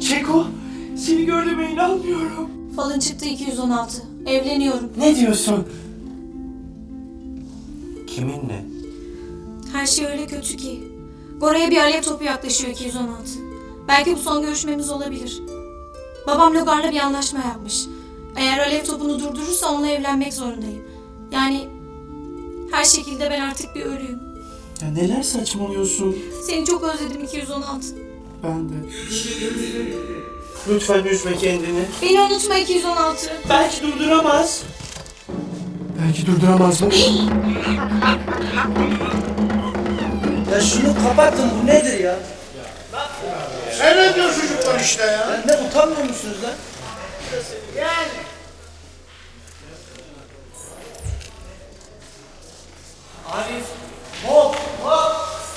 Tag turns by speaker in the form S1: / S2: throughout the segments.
S1: Keko, seni gördüğüme inanmıyorum.
S2: Falın çıktı 216. Evleniyorum.
S1: Ne diyorsun? Kiminle?
S2: Her şey öyle kötü ki. Gora'ya bir alev topu yaklaşıyor 216. Belki bu son görüşmemiz olabilir. Babam Logar'la bir anlaşma yapmış. Eğer alev topunu durdurursa onunla evlenmek zorundayım. Yani her şekilde ben artık bir ölüyüm.
S1: Ya neler saçmalıyorsun?
S2: Seni çok özledim 216.
S1: Ben de. Lütfen üzme kendini.
S2: Beni unutma 216.
S1: Belki durduramaz. Belki durduramaz mı?
S3: Ya şunu kapatın, bu nedir ya?
S4: Seyrediyor çocuklar işte ya.
S3: Ya ne, utanmıyor musunuz lan?
S1: Arif, Bob, Bob.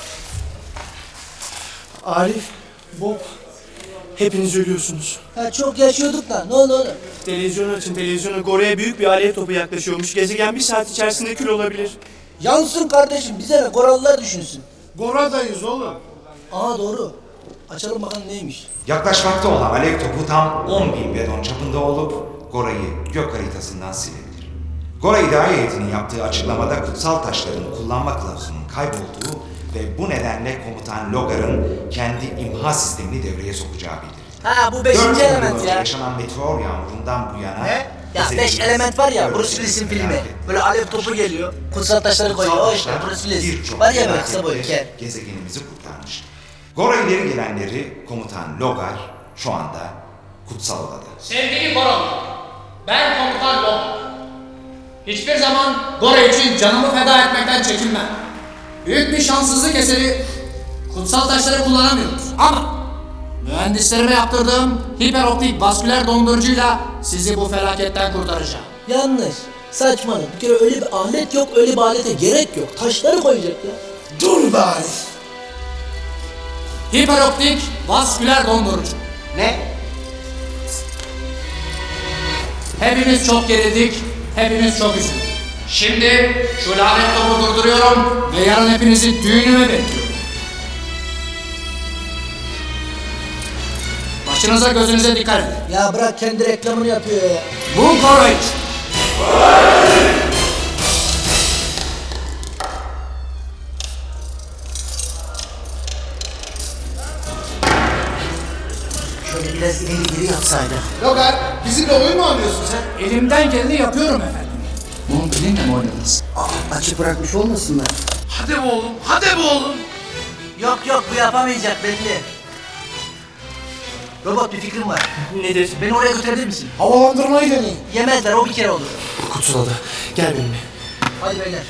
S1: Arif, Bob. Hepiniz ölüyorsunuz.
S3: Ha, çok yaşıyorduk da, ne oldu oğlum?
S1: Televizyonu açın, televizyonu. Gora'ya büyük bir alev topu yaklaşıyormuş. Gezegen bir saat içerisinde kül olabilir.
S3: Yansın kardeşim, bize ne, Korallılar düşünsün.
S4: Goradayız oğlum.
S3: Aa doğru. Açalım bakalım neymiş.
S5: Yaklaşmakta olan alev topu tam 10.000 bedon çapında olup Gora'yı gök haritasından silebilir. Gora İdare Heyeti'nin yaptığı açıklamada kutsal taşların kullanma kılavuzunun kaybolduğu ve bu nedenle komutan Logar'ın kendi imha sistemini devreye sokacağı bildirildi.
S3: Ha, bu 5.
S5: 4
S3: element
S5: önce
S3: ya.
S5: yaşanan meteor yağmurundan bu yana...
S3: Ne? Ya 5 element var ya, Bruce Willis'in filmi. Böyle alev topu geliyor, kutsal taşları koyuyor, o işte Bruce Willis.
S5: Birçok
S3: Var ya böyle
S5: felaketleri
S3: kısa boylu, kel.
S5: gezegenimizi kurtarmış. Gora ileri gelenleri komutan Logar şu anda kutsal odada.
S6: Sevgili Goralı, ben komutan Logar. Hiçbir zaman Gora için canımı feda etmekten çekinmem. Büyük bir şanssızlık eseri kutsal taşları kullanamıyoruz. Ama mühendislerime yaptırdığım hiperoptik vasküler dondurucuyla sizi bu felaketten kurtaracağım.
S3: Yanlış. Saçmalık. Bir kere öyle bir alet yok, öyle bir alete gerek yok. Taşları koyacak ya.
S4: Dur be Arif.
S6: Hiperoptik vasküler dondurucu.
S3: Ne?
S6: Hepimiz çok gerildik, hepimiz çok üzüldük. Şimdi şu lanet topu durduruyorum ve yarın hepinizi düğünüme bekliyorum. Başınıza gözünüze dikkat edin.
S3: Ya bırak, kendi reklamını yapıyor ya.
S6: Bu Gora için.
S3: Şöyle biraz ileri geri yapsaydı.
S4: Logar, bizimle oyun mu oynuyorsun sen?
S6: Elimden geleni yapıyorum efendim. Bunu benimle mi oynadınız?
S3: Açık bırakmış olmasınlar.
S4: Hadi be oğlum, hadi be oğlum.
S3: Yok yok, bu yapamayacak belli. Robot, bir fikrim var.
S1: Nedir?
S3: Beni oraya götürebilir misin?
S4: Havalandırmayı deneyin.
S3: Yemezler, o bir kere olur.
S1: Kutsal ada. Gel benimle.
S3: Hadi beyler.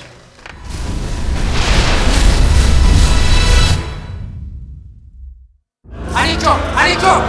S6: Hariko! Hariko!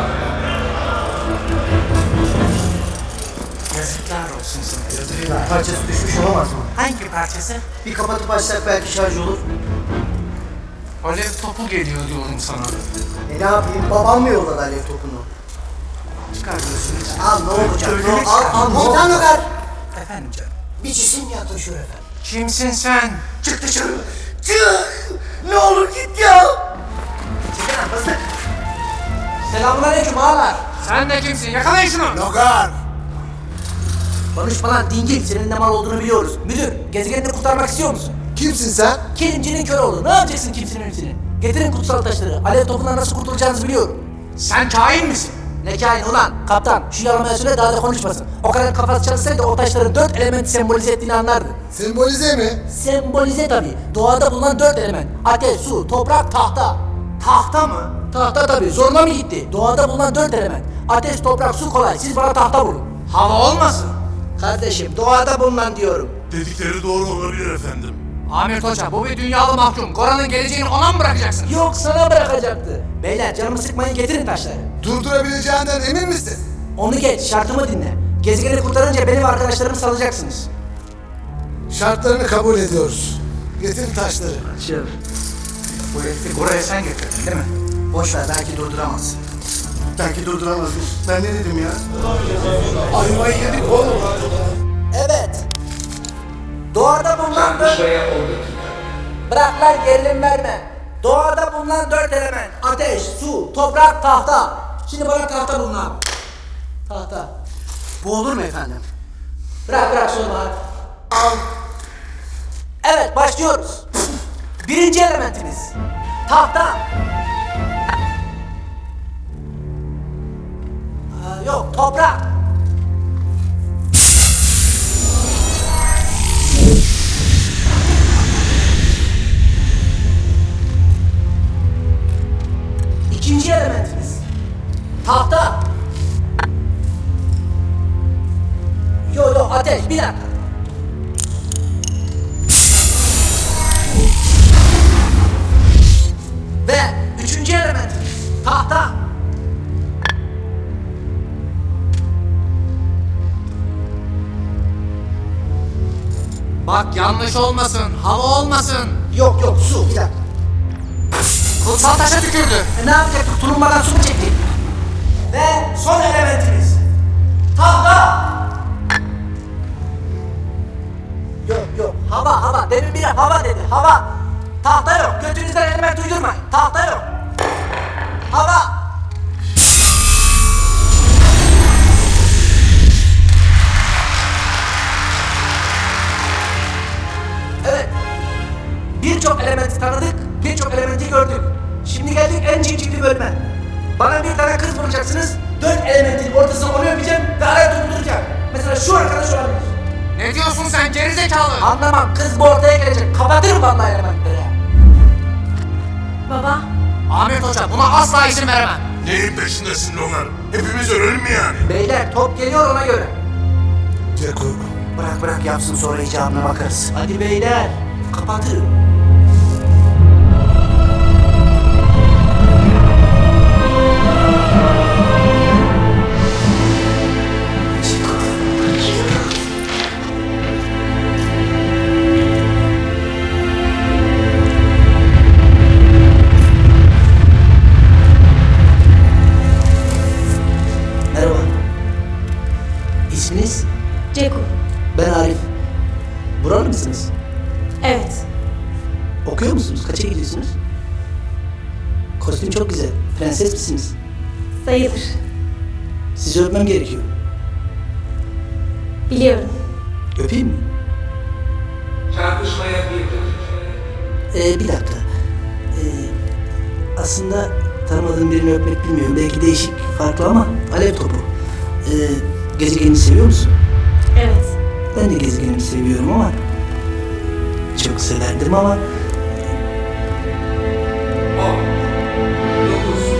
S3: Yazıklar olsun sana. Parçası düşmüş olamaz mı? Hangi parçası? Bir kapatıp açsak belki şarj olur.
S6: Alev topu geliyor diyorum sana.
S3: Ne yapayım? Babam mı yolladı alev topunu?
S6: Çıkarıyorsunuz.
S3: Al, ne olacak?
S6: Öyle
S3: Al, ne olacak?
S6: Efendim canım.
S3: Bir cisim yaklaşıyor efendim.
S6: Kimsin sen?
S3: Çık dışarı. Çık! Ne olur git ya! Çıkın lan, hızlı. Selamünaleyküm ağalar.
S6: Sen de kimsin? Yakalayın şunu!
S4: Logar.
S3: Konuşma lan dingil, senin ne mal olduğunu biliyoruz. Müdür, gezegenini kurtarmak istiyor musun?
S4: Kimsin sen?
S3: Kelimcinin kör oğlu, ne yapacaksın kimsenin hepsini? Getirin kutsal taşları, alev topundan nasıl kurtulacağınızı biliyorum.
S6: Sen kain misin?
S3: Ne kain ulan? Kaptan, şu yalamaya söyle daha da konuşmasın. O kadar kafası çalışsaydı o taşların 4 elementi sembolize ettiğini anlardı.
S4: Sembolize mi?
S3: Sembolize tabii. Doğada bulunan 4 element. Ateş, su, toprak, tahta. Tahta mı? Tahta tabii. Zoruna mı gitti? Doğada bulunan 4 element. Ateş, toprak, su kolay. Siz bana tahta vurun.
S6: Hava olmasın?
S3: Kardeşim, doğada bulunan diyorum.
S4: Dedikleri doğru olabilir efendim.
S6: Ahmet Hoca, bu bir dünyalı mahkum. Gora'nın geleceğini ona mı bırakacaksın?
S3: Yok, sana bırakacaktı. Beyler, canımı sıkmayın, getirin taşları.
S4: Durdurabileceğinden emin misin?
S3: Onu geç, şartımı dinle. Gezegeni kurtarınca benim arkadaşlarımı salacaksınız.
S4: Şartlarını kabul ediyoruz. Getir taşları.
S3: Açıl.
S6: Bu herifi Gora'ya sen getirdin değil mi?
S3: Boş ver, belki durduramazsın.
S4: Belki durduramazmış. Ben ne dedim ya? Ayvayı yedik oğlum.
S3: Evet. Doğada bulunan 4... Bırak lan, gerilim verme. Doğada bulunan 4 element. Ateş, su, toprak, tahta. Şimdi bana tahta bulun abi. Tahta. Bu olur mu efendim? Bırak sorma hadi. Al. Evet başlıyoruz. Birinci elementimiz. Tahta. Yok toprak. İkinci elementimiz. Tahta. Yo ateş bir dakika. Ve üçüncü elementimiz. Tahta.
S6: Bak yanlış olmasın, hava olmasın.
S3: Yok su bir dakika.
S6: Kutsal taşa tükürdü.
S3: Ne yapacaktık? Tulumbadan su mu çektik? Ve son elementimiz. Tahta. Yok. Hava. Demin biri hava dedi. Hava. Tahta yok. Götünüzden element uydurmayın. Tahta yok. Hava. Evet. Birçok elementi tanıdık, birçok elementi gördük. Şimdi geldik en civcivli bölüme. Bana bir tane kız bulacaksınız, 4 elementin ortasına onu öpeceğim ve araya tutturacağım. Mesela şu arkadaş olabilir.
S6: Ne diyorsun sen gerizekalı?
S3: Anlamam, kız bu ortaya gelecek. Kapatırım vallahi elementleri.
S2: Baba,
S6: Ahmet Hoca buna asla izin veremem.
S7: Neyin peşindesin Logar? Hepimiz ölelim mi yani?
S3: Beyler top geliyor ona göre.
S4: Ceko.
S3: Bırak yapsın sonra icabına bakarız. Hadi beyler, kapatırım. Merhaba. İsminiz?
S2: Ceku.
S3: Ben Arif. Buralı mısınız?
S2: Evet.
S3: Okuyor musunuz? Kaça gidiyorsunuz? Kostüm çok güzel. Prenses misiniz?
S2: Sayılır.
S3: Sizi öpmem gerekiyor.
S2: Biliyorum.
S3: Öpeyim mi?
S8: Çarpışmaya bir dakika.
S3: Bir dakika. Aslında tanımadığım birini öpmek bilmiyorum. Belki değişik, farklı ama alev topu. Gezegenini seviyor musun?
S2: Evet.
S3: Ben de gezegenimi seviyorum ama çok severdim ama
S8: 10, 9, 8,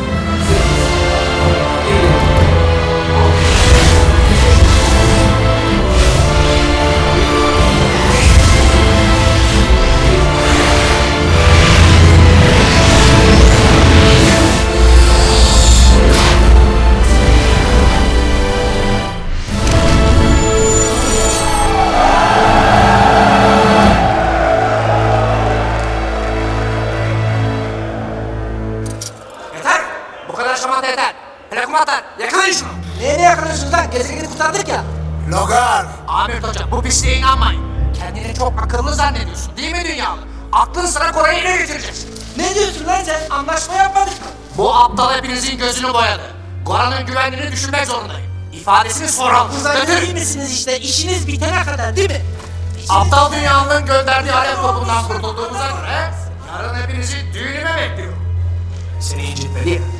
S6: Yeter! Bu kadar şamata yeter. Plakumatar, yakalayın şunu.
S3: neye yakalıyorsunuz lan? Gezegeni kurtardık ya.
S7: Logar!
S6: Ahmet Hoca bu pisliğe inanmayın. Kendini çok akıllı zannediyorsun değil mi dünyalı? Aklın sıra Kore'yi ele getireceksin.
S3: Ne diyorsun lan sen? Anlaşma yapmadık mı?
S6: Bu aptal hepinizin gözünü boyadı. Goran'ın güvenliğini düşünmek zorundayım. İfadesini soralım.
S3: Uzaylı değil
S6: Götür.
S3: misiniz işte? İşiniz bitene kadar değil mi?
S6: Aptal dünyanın gönderdiği alev topundan kurtulduğumuza göre yarın hepinizi düğünüme bekliyorum.
S3: Seni incitmedi ya.